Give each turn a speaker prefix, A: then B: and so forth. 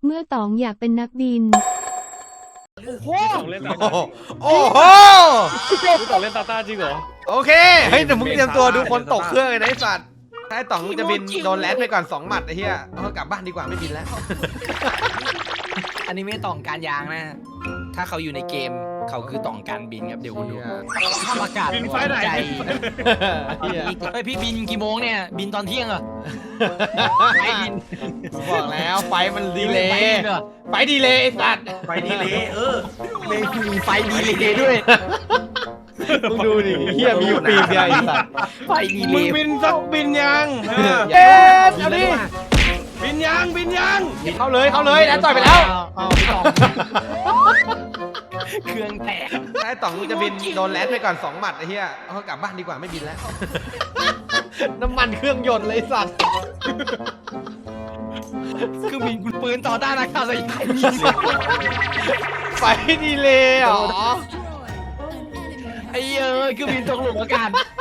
A: เมื่อต๋องอยากเป็นนักบิน
B: ต้องเล่นตา
C: โอ้
B: ต้า
C: โห
B: ต้องเล่นตาต้าจริงเหรอ
C: โอเคเฮ้ยเดี๋ยวมึงเตรียมตัวดูคนตกเครื่องเลยนะไอ้สัตว์ถ้าไอ้ต่องจะบินโดนแลนไปก่อน2 หมัดไอ้เหี้ยเอากลับบ้านดีกว่าไม่บินแล้ว
D: อันนี้ไม่ต่องการยางนะ ถ้าเขาอยู่ในเกมเขาคือต่องการบินครับเดี๋ยวคุณดูภาพอากาศ
B: บินไฟไหน
D: ใจ
C: เหี้ย
D: เฮ้ยพี่บินกี่โมงเนี่ย บินตอนเที่ยงเหรอไม่บิน
C: บอกแล้วไฟมันดีเล
D: ไม่
C: ย์
D: บินเหรอ
C: ไฟดีเลยไอ้สัตว์
E: ไปดีเลย
D: เลยมีไฟดีเลยด้วย
C: มึงดูดิเหี้ยมีอยู่ปีเดียวไอ้สัตว์
D: ไฟดีเล
B: มึง
D: ย
B: บินสักบินยัง
C: เอ๊ะเอาดิ
B: บินยังบินยัง
C: เข้าเลยแล้วต่อยไปแล้ว
D: เอาพี่ต่องเครื่องแตก
C: ถ้าไอ้ต่องจะบินโดนแลนไปก่อน2 หมัดไอ้เหี้ยเอากลับบ้านดีกว่าไม่บินแล้ว น้ำมันเครื่องยนต์เลยสัตว์
D: คือบินคุณปืนต่อต้านอากาศยาน
C: ไฟดีเลยเหรอ
D: ไอ้เอ้ยคือบินตกหลุมอากาศ